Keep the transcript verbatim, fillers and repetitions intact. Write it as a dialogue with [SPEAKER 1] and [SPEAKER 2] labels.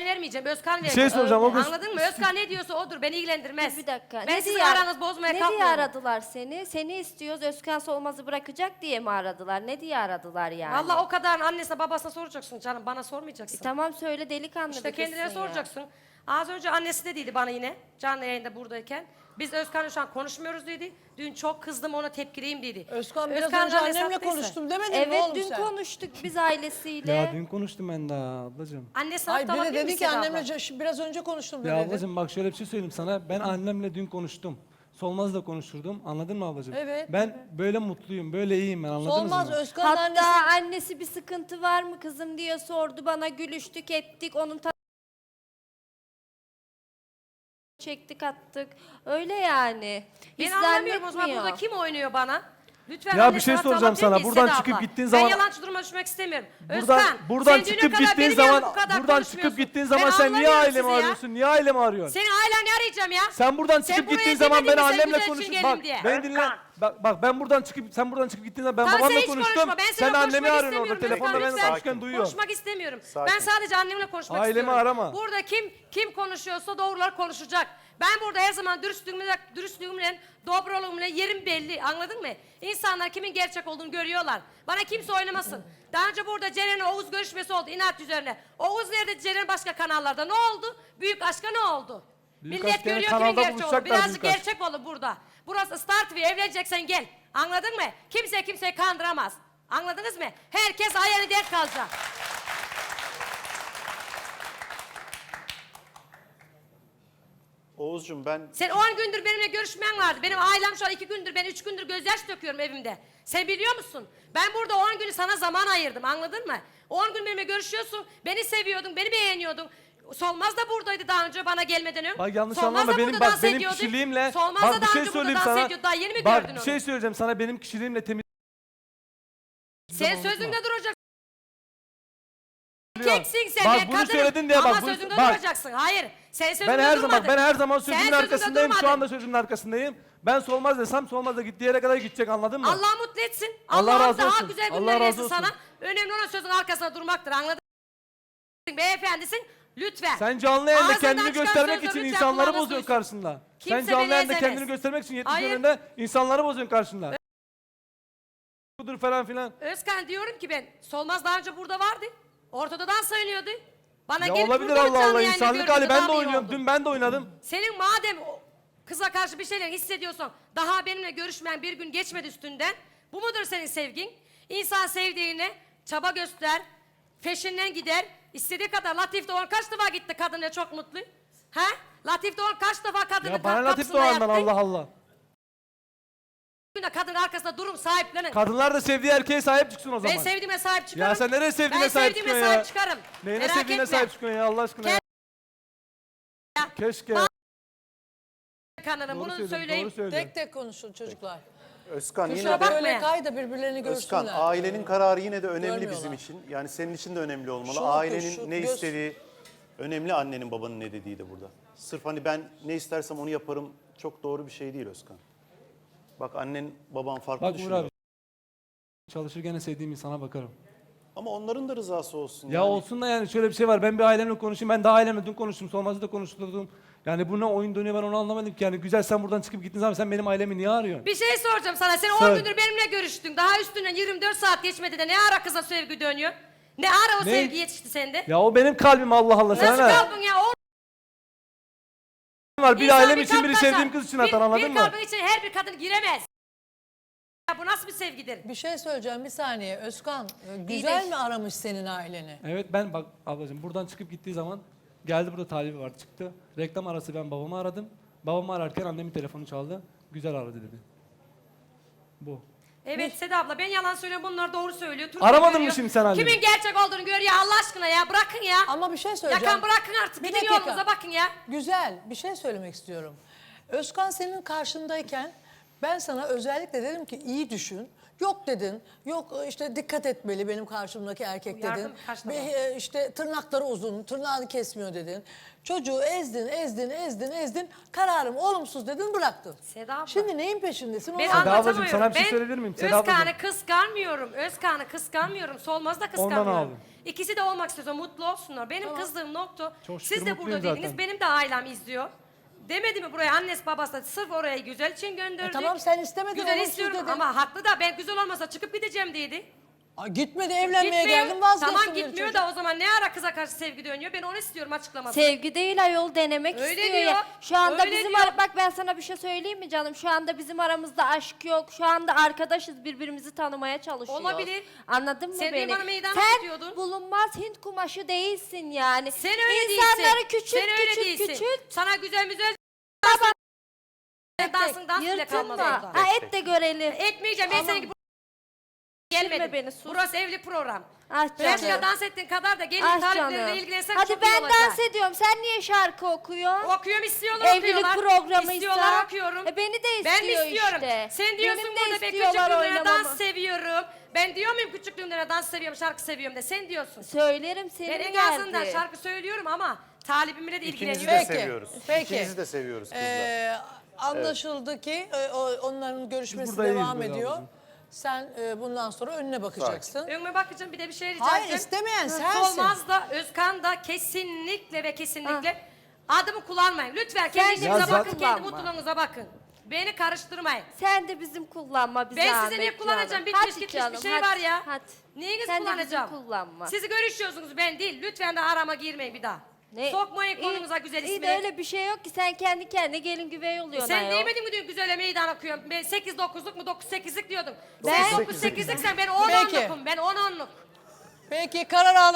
[SPEAKER 1] vermeyeceğim. Özkan verecek.
[SPEAKER 2] şey soracağım, o gün-
[SPEAKER 1] Anladın mı? Özkan ne diyorsa odur. Beni ilgilendirmez.
[SPEAKER 3] Bir dakika.
[SPEAKER 1] Ben
[SPEAKER 3] Ne
[SPEAKER 1] sizin
[SPEAKER 3] diye-
[SPEAKER 1] aranızı bozmaya
[SPEAKER 3] Ne diye
[SPEAKER 1] kalkmıyorum.
[SPEAKER 3] aradılar seni? Seni istiyoruz, Özkan Solmaz'ı bırakacak diye mi aradılar? Ne diye aradılar yani?
[SPEAKER 1] Valla o kadar annesine babasına soracaksın canım. Bana sormayacaksın.
[SPEAKER 3] E, tamam söyle, delikanlı
[SPEAKER 1] İşte
[SPEAKER 3] bir
[SPEAKER 1] kendine
[SPEAKER 3] kızsın ya.
[SPEAKER 1] soracaksın. Az önce annesi de dedi bana yine canlı yayında buradayken. Biz Özkan'la şu an konuşmuyoruz dedi. Dün çok kızdım, ona tepkiliyim dedi.
[SPEAKER 4] Özkan biraz
[SPEAKER 1] Özkan
[SPEAKER 4] önce
[SPEAKER 1] annesi
[SPEAKER 4] annemle
[SPEAKER 1] haklıysa.
[SPEAKER 4] konuştum demedin mi
[SPEAKER 3] Evet,
[SPEAKER 4] oğlum
[SPEAKER 3] dün
[SPEAKER 4] sen?
[SPEAKER 3] konuştuk biz ailesiyle.
[SPEAKER 2] Ya dün konuştum ben daha ablacığım.
[SPEAKER 1] Annesi
[SPEAKER 4] Hayır
[SPEAKER 1] haklı
[SPEAKER 4] bir de
[SPEAKER 1] olabilir mi
[SPEAKER 4] dedi ki
[SPEAKER 1] Seda abla?
[SPEAKER 4] annemle ce- biraz önce konuştum
[SPEAKER 2] Ya
[SPEAKER 4] dedi.
[SPEAKER 2] ablacığım bak şöyle bir şey söyleyeyim sana. Ben annemle dün konuştum. Solmaz'la konuşturdum. Anladın mı ablacığım?
[SPEAKER 4] Evet.
[SPEAKER 2] Ben böyle mutluyum, böyle iyiyim ben, anladınız
[SPEAKER 4] Solmaz
[SPEAKER 2] mı?
[SPEAKER 4] Özkan'ın
[SPEAKER 3] Hatta
[SPEAKER 4] annesi.
[SPEAKER 3] annesi bir sıkıntı var mı kızım diye sordu bana, gülüştük ettik, onun ta- çektik attık. Öyle yani.
[SPEAKER 1] Ben
[SPEAKER 3] Hiç
[SPEAKER 1] anlamıyorum o zaman
[SPEAKER 3] zannetmiyor.
[SPEAKER 1] burada kim oynuyor bana? Lütfen
[SPEAKER 2] Ya bir
[SPEAKER 1] annesine
[SPEAKER 2] şey
[SPEAKER 1] haklı
[SPEAKER 2] soracağım
[SPEAKER 1] olabilir
[SPEAKER 2] sana.
[SPEAKER 1] miyiz
[SPEAKER 2] Buradan
[SPEAKER 1] Seda
[SPEAKER 2] çıkıp
[SPEAKER 1] abla?
[SPEAKER 2] gittiğin zaman-
[SPEAKER 1] Ben yalancı duruma düşmek istemiyorum.
[SPEAKER 2] Buradan
[SPEAKER 1] Özkan,
[SPEAKER 2] buradan
[SPEAKER 1] sen düne
[SPEAKER 2] çıkıp
[SPEAKER 1] kadar
[SPEAKER 2] gittiğin
[SPEAKER 1] benim
[SPEAKER 2] zaman
[SPEAKER 1] yanımda bu kadar
[SPEAKER 2] buradan çıkıp
[SPEAKER 1] konuşmuyorsun.
[SPEAKER 2] gittiğin
[SPEAKER 1] Ben
[SPEAKER 2] zaman sen niye
[SPEAKER 1] anlamıyorum
[SPEAKER 2] ailemi
[SPEAKER 1] sizi ya.
[SPEAKER 2] arıyorsun? Niye ailemi arıyorsun?
[SPEAKER 1] Senin ailen arayacağım ya.
[SPEAKER 2] Sen buradan
[SPEAKER 1] Sen
[SPEAKER 2] çıkıp
[SPEAKER 1] buraya
[SPEAKER 2] gittiğin zaman ben
[SPEAKER 1] demedin mi sen
[SPEAKER 2] annemle
[SPEAKER 1] güzel
[SPEAKER 2] konuş.
[SPEAKER 1] için
[SPEAKER 2] Bak
[SPEAKER 1] gelin diye?
[SPEAKER 2] beni dinle. Bak, bak ben buradan çıkıp sen buradan çıkıp gittiğin zaman ben
[SPEAKER 1] Tamam,
[SPEAKER 2] babamla
[SPEAKER 1] sen hiç
[SPEAKER 2] konuştum.
[SPEAKER 1] konuşma. Ben
[SPEAKER 2] Sen
[SPEAKER 1] seninle
[SPEAKER 2] annemi
[SPEAKER 1] konuşmak
[SPEAKER 2] arıyorsun orada.
[SPEAKER 1] istemiyorum.
[SPEAKER 2] Telefonda
[SPEAKER 1] Özkan,
[SPEAKER 2] ben
[SPEAKER 1] lütfen.
[SPEAKER 2] konuşurken duyuyor.
[SPEAKER 1] Konuşmak istemiyorum.
[SPEAKER 5] Sakin.
[SPEAKER 1] Ben sadece annemle konuşmak
[SPEAKER 2] Ailemi
[SPEAKER 1] istiyorum.
[SPEAKER 2] arama.
[SPEAKER 1] Burada kim kim konuşuyorsa doğrular konuşacak. Ben burada her zaman dürüstlüğümle, dürüstlüğümle, dobroluğumla yerim belli. Anladın mı? İnsanlar kimin gerçek olduğunu görüyorlar. Bana kimse oynamasın. Daha önce burada Ceren'le Oğuz görüşmesi oldu inat üzerine. Oğuz nerede, Ceren başka kanallarda. Ne oldu? Büyük aşka ne oldu?
[SPEAKER 2] Büyük
[SPEAKER 1] Millet
[SPEAKER 2] aşk gene
[SPEAKER 1] görüyor kimin
[SPEAKER 2] kanalda
[SPEAKER 1] gerçek olduğunu.
[SPEAKER 2] buluşacaklar
[SPEAKER 1] Birazcık
[SPEAKER 2] büyük aşk.
[SPEAKER 1] gerçek olur burada. Burası Star T V. Evleneceksen gel. Anladın mı? Kimse kimseyi kandıramaz. Anladınız mı? Herkes ayağını denk kalacak.
[SPEAKER 5] Oğuzcuğum ben
[SPEAKER 1] Sen on gündür benimle görüşmen vardı. Benim ailem şu an iki gündür, ben üç gündür gözyaş döküyorum evimde. Sen biliyor musun? Ben burada on günü sana zaman ayırdım, anladın mı? on gün benimle görüşüyorsun, beni seviyordun, beni beğeniyordun. Solmaz da buradaydı daha önce bana gelmeden önce.
[SPEAKER 2] Bak yanlış
[SPEAKER 1] Solmaz
[SPEAKER 2] anlama
[SPEAKER 1] da
[SPEAKER 2] benim
[SPEAKER 1] burada
[SPEAKER 2] bak
[SPEAKER 1] dans
[SPEAKER 2] benim
[SPEAKER 1] ediyordu.
[SPEAKER 2] kişiliğimle
[SPEAKER 1] Solmaz da
[SPEAKER 2] bak bir
[SPEAKER 1] daha
[SPEAKER 2] şey
[SPEAKER 1] önce burada
[SPEAKER 2] söyleyeyim
[SPEAKER 1] dans
[SPEAKER 2] sana.
[SPEAKER 1] ediyordu. Daha yeni mi
[SPEAKER 2] Bak
[SPEAKER 1] gördün
[SPEAKER 2] bir
[SPEAKER 1] onu?
[SPEAKER 2] şey söyleyeceğim sana, benim kişiliğimle temiz.
[SPEAKER 1] Sen
[SPEAKER 2] unutma.
[SPEAKER 1] sözünde duracaksın. Erkeksin sen,
[SPEAKER 2] Bak
[SPEAKER 1] ben
[SPEAKER 2] bunu
[SPEAKER 1] kadınım.
[SPEAKER 2] söyledin diye
[SPEAKER 1] Ama
[SPEAKER 2] bak bunu-
[SPEAKER 1] sözünde
[SPEAKER 2] bak.
[SPEAKER 1] duracaksın. Hayır, sen sözünde
[SPEAKER 2] Ben her
[SPEAKER 1] durmadın.
[SPEAKER 2] zaman ben her zaman
[SPEAKER 1] Sen
[SPEAKER 2] sözümün
[SPEAKER 1] sözünde
[SPEAKER 2] arkasındayım. Şu
[SPEAKER 1] durmadın.
[SPEAKER 2] anda sözümün arkasındayım. Ben Solmaz desem Solmaz da gittiği yere kadar gidecek, anladın mı?
[SPEAKER 1] Allah mutlu etsin.
[SPEAKER 2] Allah
[SPEAKER 1] Allah'ım
[SPEAKER 2] razı
[SPEAKER 1] daha
[SPEAKER 2] olsun.
[SPEAKER 1] güzel
[SPEAKER 2] Allah
[SPEAKER 1] günler
[SPEAKER 2] razı
[SPEAKER 1] versin
[SPEAKER 2] olsun.
[SPEAKER 1] sana. Önemli olan sözün arkasında durmaktır. Anladın mı? Beyefendisin. Lütfen.
[SPEAKER 2] Sen canlı yayında
[SPEAKER 1] Ağzından
[SPEAKER 2] kendini
[SPEAKER 1] çıkan
[SPEAKER 2] göstermek
[SPEAKER 1] sözleri
[SPEAKER 2] için
[SPEAKER 1] lütfen
[SPEAKER 2] insanları
[SPEAKER 1] kulağınız
[SPEAKER 2] bozuyorsun
[SPEAKER 1] duysun.
[SPEAKER 2] karşında. Sen
[SPEAKER 1] Kimse
[SPEAKER 2] canlı
[SPEAKER 1] beni
[SPEAKER 2] yayında
[SPEAKER 1] ezemez.
[SPEAKER 2] kendini göstermek için yetmiş
[SPEAKER 1] Hayır.
[SPEAKER 2] önünde insanları bozuyorsun karşında. Budur falan filan.
[SPEAKER 1] Özkan diyorum ki ben. Solmaz daha önce burada vardı. Ortada dans oynuyordu. Bana
[SPEAKER 2] Ya
[SPEAKER 1] gelip
[SPEAKER 2] olabilir
[SPEAKER 1] burada
[SPEAKER 2] Allah
[SPEAKER 1] canlı
[SPEAKER 2] Allah,
[SPEAKER 1] yayında
[SPEAKER 2] insanlık
[SPEAKER 1] gördüğünde
[SPEAKER 2] hali, ben
[SPEAKER 1] daha
[SPEAKER 2] de
[SPEAKER 1] iyi
[SPEAKER 2] oynuyorum.
[SPEAKER 1] oldu.
[SPEAKER 2] Dün ben de oynadım.
[SPEAKER 1] Senin madem o kıza karşı bir şeyler hissediyorsan, daha benimle görüşmeyen bir gün geçmedi üstünden. Bu mudur senin sevgin? İnsan sevdiğine çaba göster, peşinden gider. İstediği kadar. Latif Doğan kaç defa gitti kadınla, çok mutlu. He? Latif Doğan kaç defa kadının
[SPEAKER 2] Ya bana
[SPEAKER 1] kap-
[SPEAKER 2] Latif
[SPEAKER 1] kapısında
[SPEAKER 2] Doğan'dan
[SPEAKER 1] yattı?
[SPEAKER 2] Allah Allah.
[SPEAKER 1] Bugün de kadın arkasında durum sahiplenin.
[SPEAKER 2] Kadınlar da sevdiği erkeğe sahip çıksın o zaman.
[SPEAKER 1] Ben sevdiğime sahip çıkarım.
[SPEAKER 2] Ya sen nereye sevdiğine
[SPEAKER 1] ben
[SPEAKER 2] sahip
[SPEAKER 1] sevdiğime
[SPEAKER 2] çıkıyorsun
[SPEAKER 1] sahip
[SPEAKER 2] ya?
[SPEAKER 1] çıkarım.
[SPEAKER 2] Neyine
[SPEAKER 1] Merak
[SPEAKER 2] sevdiğine
[SPEAKER 1] etme.
[SPEAKER 2] sahip çıkıyorsun ya Allah aşkına ya.
[SPEAKER 1] Ya.
[SPEAKER 2] Keşke.
[SPEAKER 1] Ba- Kanalım
[SPEAKER 2] Doğru
[SPEAKER 1] bunu
[SPEAKER 2] söylüyorsun,
[SPEAKER 1] söyleyeyim.
[SPEAKER 2] doğru söylüyorsun.
[SPEAKER 4] Tek tek konuşun çocuklar.
[SPEAKER 5] Özkan yine
[SPEAKER 4] Kusura
[SPEAKER 5] de
[SPEAKER 1] bakma.
[SPEAKER 4] bakma kay da birbirlerini
[SPEAKER 5] Özkan
[SPEAKER 4] görsünler.
[SPEAKER 5] ailenin kararı yine de önemli
[SPEAKER 4] Görmüyorlar.
[SPEAKER 5] bizim için. Yani senin için de önemli olmalı.
[SPEAKER 4] Şunu oku,
[SPEAKER 5] Ailenin
[SPEAKER 4] şu
[SPEAKER 5] ne
[SPEAKER 4] göz-
[SPEAKER 5] istediği önemli, annenin babanın ne dediği de burada. Sırf hani ben ne istersem onu yaparım çok doğru bir şey değil Özkan. Bak annen baban farklı
[SPEAKER 2] Bak Uğur
[SPEAKER 5] düşünüyor.
[SPEAKER 2] abi. Çalışır gene sevdiğim insana bakarım.
[SPEAKER 5] Ama onların da rızası olsun.
[SPEAKER 2] Ya
[SPEAKER 5] yani.
[SPEAKER 2] olsun da yani şöyle bir şey var. Ben bir ailemle konuşayım. Ben de ailemle dün konuştum. Solmaz'ı da konuşturdum. Yani bu ne oyun dönüyor, ben onu anlamadım ki. Yani güzel, sen buradan çıkıp gittiğin zaman sen benim ailemi niye arıyorsun?
[SPEAKER 1] Bir şey soracağım sana. Sen
[SPEAKER 2] Sor.
[SPEAKER 1] on gündür benimle görüştün. Daha üstünden yirmi dört saat geçmedi de ne ara kıza sevgi dönüyor? Ne ara o
[SPEAKER 2] Ne?
[SPEAKER 1] sevgi yetişti sende?
[SPEAKER 2] Ya o benim kalbim, Allah Allah. Sana
[SPEAKER 1] Nasıl
[SPEAKER 2] ne?
[SPEAKER 1] kalbin ya? O
[SPEAKER 2] Var bir
[SPEAKER 1] İnsan
[SPEAKER 2] ailem
[SPEAKER 1] bir
[SPEAKER 2] için,
[SPEAKER 1] kalp
[SPEAKER 2] biri
[SPEAKER 1] taşar.
[SPEAKER 2] sevdiğim kız için
[SPEAKER 1] bir,
[SPEAKER 2] atar, anladın
[SPEAKER 1] bir
[SPEAKER 2] mı?
[SPEAKER 1] kalbin içine her bir kadın giremez. Ya bu nasıl bir sevgidir?
[SPEAKER 4] Bir şey söyleyeceğim bir saniye. Özkan e,
[SPEAKER 1] değil.
[SPEAKER 4] güzel mi aramış senin aileni?
[SPEAKER 2] Evet ben bak ablacığım buradan çıkıp gittiği zaman geldi, burada talibi var, çıktı. Reklam arası ben babamı aradım. Babamı ararken annemin telefonu çaldı. Güzel aradı dedi. Bu.
[SPEAKER 1] Evet Seda abla, ben yalan söylüyorum, bunlar doğru söylüyor. Türkçe
[SPEAKER 2] Aramadın mı
[SPEAKER 1] görüyor.
[SPEAKER 2] şimdi sen annemi?
[SPEAKER 1] Kimin gerçek olduğunu gör ya Allah aşkına ya, bırakın ya.
[SPEAKER 4] Ama bir şey söyleyeceğim.
[SPEAKER 1] Yakan bırakın artık,
[SPEAKER 4] Bir
[SPEAKER 1] gidin
[SPEAKER 4] dakika.
[SPEAKER 1] yolunuza bakın ya.
[SPEAKER 4] Güzel bir şey söylemek istiyorum. Özkan senin karşındayken ben sana özellikle dedim ki iyi düşün. Yok dedin. Yok e, işte dikkat etmeli benim karşımdaki erkek dedin.
[SPEAKER 1] Yardım karşılama.
[SPEAKER 4] Ve, e, işte tırnakları uzun, tırnağını kesmiyor dedin. Çocuğu ezdin, ezdin, ezdin, ezdin. Kararım olumsuz dedin, bıraktın.
[SPEAKER 1] Seda abla.
[SPEAKER 4] Şimdi neyin peşindesin?
[SPEAKER 1] Ben
[SPEAKER 4] Onu anlat.
[SPEAKER 1] anlatamıyorum.
[SPEAKER 2] ablacığım, sana bir şey
[SPEAKER 1] Ben
[SPEAKER 2] söyleyebilir miyim? Seda
[SPEAKER 1] Özkan'ı
[SPEAKER 2] ablacığım.
[SPEAKER 1] kıskanmıyorum. Özkan'ı kıskanmıyorum. Solmaz'ı da kıskanmıyorum.
[SPEAKER 2] aldım.
[SPEAKER 1] İkisi de olmak istiyorsa mutlu olsunlar. Benim kızdığım nokta,
[SPEAKER 2] Çok şükür
[SPEAKER 1] siz de
[SPEAKER 2] mutluyum
[SPEAKER 1] burada dediniz,
[SPEAKER 2] zaten.
[SPEAKER 1] benim de ailem izliyor. Demedi mi buraya annesi babası da sırf oraya güzel için gönderdik.
[SPEAKER 4] E tamam, sen istemedin,
[SPEAKER 1] Güzel
[SPEAKER 4] olumsuz
[SPEAKER 1] istiyorum
[SPEAKER 4] dedin.
[SPEAKER 1] ama haklı da ben güzel olmasa çıkıp gideceğim dedi.
[SPEAKER 4] Ay, gitmedi, evlenmeye
[SPEAKER 1] Gitmiyor.
[SPEAKER 4] geldim, vazgeçtim.
[SPEAKER 1] Tamam
[SPEAKER 4] dedi
[SPEAKER 1] gitmiyor
[SPEAKER 4] çocuk.
[SPEAKER 1] da o zaman ne ara kıza karşı sevgi dönüyor? Ben onu istiyorum açıklamasını.
[SPEAKER 3] Sevgi değil ayol, denemek
[SPEAKER 1] Öyle
[SPEAKER 3] istiyor
[SPEAKER 1] diyor,
[SPEAKER 3] ya. Şu anda
[SPEAKER 1] öyle
[SPEAKER 3] bizim
[SPEAKER 1] diyor.
[SPEAKER 3] ara- bak ben sana bir şey söyleyeyim mi canım? Şu anda bizim aramızda aşk yok. Şu anda arkadaşız, birbirimizi tanımaya çalışıyoruz.
[SPEAKER 1] Olabilir.
[SPEAKER 3] Anladın mı
[SPEAKER 1] Sen
[SPEAKER 3] beni?
[SPEAKER 1] benim bana meydan
[SPEAKER 3] Sen
[SPEAKER 1] tutuyordun.
[SPEAKER 3] bulunmaz Hint kumaşı değilsin yani.
[SPEAKER 1] Sen öyle
[SPEAKER 3] İnsanları
[SPEAKER 1] değilsin.
[SPEAKER 3] küçült
[SPEAKER 1] Sen öyle
[SPEAKER 3] küçült
[SPEAKER 1] değilsin.
[SPEAKER 3] küçült.
[SPEAKER 1] Sana güzel güzel dansın dans bile kalmaz
[SPEAKER 3] Yırtınma.
[SPEAKER 1] orada.
[SPEAKER 3] Ha, et de görelim.
[SPEAKER 1] Etmeyeceğim. Ben
[SPEAKER 3] Aman.
[SPEAKER 1] senin gibi gelmedim.
[SPEAKER 3] beni, sus.
[SPEAKER 1] Burası evli program.
[SPEAKER 3] Ah
[SPEAKER 1] Başka
[SPEAKER 3] canım.
[SPEAKER 1] dans ettiğin kadar da gelin
[SPEAKER 3] Ah
[SPEAKER 1] talepleriyle
[SPEAKER 3] canım.
[SPEAKER 1] ilgilensen
[SPEAKER 3] Hadi
[SPEAKER 1] çok iyi
[SPEAKER 3] ben
[SPEAKER 1] olacak.
[SPEAKER 3] dans ediyorum. Sen niye şarkı okuyorsun?
[SPEAKER 1] Okuyorum istiyorlar
[SPEAKER 3] Evlilik
[SPEAKER 1] okuyorlar.
[SPEAKER 3] programıysa.
[SPEAKER 1] İstiyorlar okuyorum.
[SPEAKER 3] E, beni de
[SPEAKER 1] Ben mi
[SPEAKER 3] istiyor
[SPEAKER 1] istiyorum?
[SPEAKER 3] işte.
[SPEAKER 1] Sen diyorsun
[SPEAKER 3] Benim de
[SPEAKER 1] burada ben
[SPEAKER 3] istiyorlar
[SPEAKER 1] küçüklüğümden
[SPEAKER 3] oynamamı.
[SPEAKER 1] dans seviyorum. Ben diyor muyum küçüklüğümden dans seviyorum, şarkı seviyorum de sen diyorsun.
[SPEAKER 3] Söylerim senin
[SPEAKER 1] Ben en
[SPEAKER 3] geldi.
[SPEAKER 1] azından şarkı söylüyorum ama talibimle de
[SPEAKER 5] İkinizi
[SPEAKER 1] ilgileniyorum.
[SPEAKER 5] de
[SPEAKER 4] Peki,
[SPEAKER 5] seviyoruz.
[SPEAKER 4] peki.
[SPEAKER 5] İkinizi de seviyoruz kızlar.
[SPEAKER 4] Ee, anlaşıldı ki e, o- onların görüşmesi
[SPEAKER 2] buradayız
[SPEAKER 4] devam
[SPEAKER 2] böyle
[SPEAKER 4] ediyor.
[SPEAKER 2] ablacığım.
[SPEAKER 4] Sen e, bundan sonra önüne bakacaksın.
[SPEAKER 1] Önüme bakacağım bir de bir şey rica
[SPEAKER 4] Hayır,
[SPEAKER 1] edeceğim.
[SPEAKER 4] istemeyen
[SPEAKER 1] Hı,
[SPEAKER 4] sensin.
[SPEAKER 1] Solmaz da Özkan da kesinlikle ve kesinlikle adımı kullanmayın. Lütfen kendi
[SPEAKER 3] Sen de
[SPEAKER 1] işinize
[SPEAKER 2] bizi
[SPEAKER 1] bakın, kendi
[SPEAKER 3] kullanma.
[SPEAKER 1] mutluluğunuza bakın. Beni karıştırmayın.
[SPEAKER 3] Sen de bizim kullanma bize
[SPEAKER 1] Ben
[SPEAKER 3] zahmet
[SPEAKER 1] sizi niye kullanacağım?
[SPEAKER 3] canım.
[SPEAKER 1] Bitmiş
[SPEAKER 3] Hadi
[SPEAKER 1] gitmiş
[SPEAKER 3] canım,
[SPEAKER 1] bir şey
[SPEAKER 3] hadi,
[SPEAKER 1] var ya.
[SPEAKER 3] Hadi.
[SPEAKER 1] Neyinizi
[SPEAKER 3] Sen de bizim
[SPEAKER 1] kullanacağım?
[SPEAKER 3] kullanma.
[SPEAKER 1] Sizi görüşüyorsunuz ben değil. Lütfen de arama girmeyin bir daha.
[SPEAKER 3] Ne?
[SPEAKER 1] Sokmayın
[SPEAKER 3] İyi-
[SPEAKER 1] konunuza güzel
[SPEAKER 3] iyi
[SPEAKER 1] ismini.
[SPEAKER 3] de öyle bir şey yok ki, sen kendi kendine gelin güvey oluyorsun
[SPEAKER 1] Sen
[SPEAKER 3] ayol.
[SPEAKER 1] demedin mi dün güzele meydan okuyorum? Ben sekiz dokuzluk mu dokuz sekizlik diyordum.
[SPEAKER 3] Ben-
[SPEAKER 1] Sen dokuz sekizlik sen ben on
[SPEAKER 4] Peki.
[SPEAKER 1] onlukum. Ben on onluk.
[SPEAKER 4] Peki, karar al.